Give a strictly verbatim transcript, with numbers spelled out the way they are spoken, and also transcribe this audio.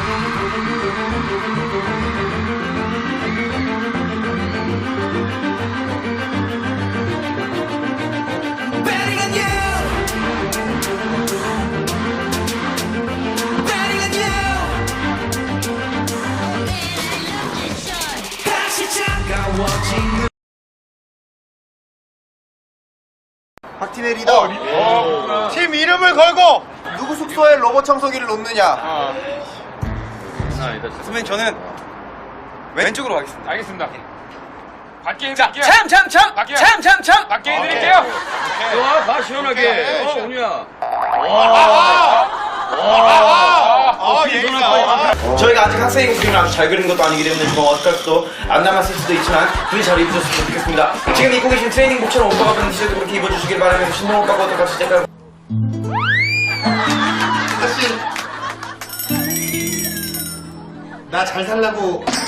각 팀의 리더. 어, 팀 이름을 걸고 누구 숙소에 로봇 청소기를 놓느냐. 아, 선배님 저는 왼쪽으로 가겠습니다. 알겠습니다. 밖에 자, 해드릴게요. 참, 참, 참, 밖에. 참, 참, 참. 밖에 해드릴게요. 좋아, 가 시원하게. 어, 운이야. 아, 얘기가. 저희가 아직 학생이고 그림을 아주 잘 그리는 것도 아니기 때문에 조금 어색할수도 안 남았을 수도 있지만 둘이 잘 입으셨으면 좋겠습니다. 지금 입고 계신 트레이닝복처럼 오빠가 입는 티셔츠 그렇게 입어주시길 바라면서 신동 오빠가 같이 제가 사실 나 잘 살라고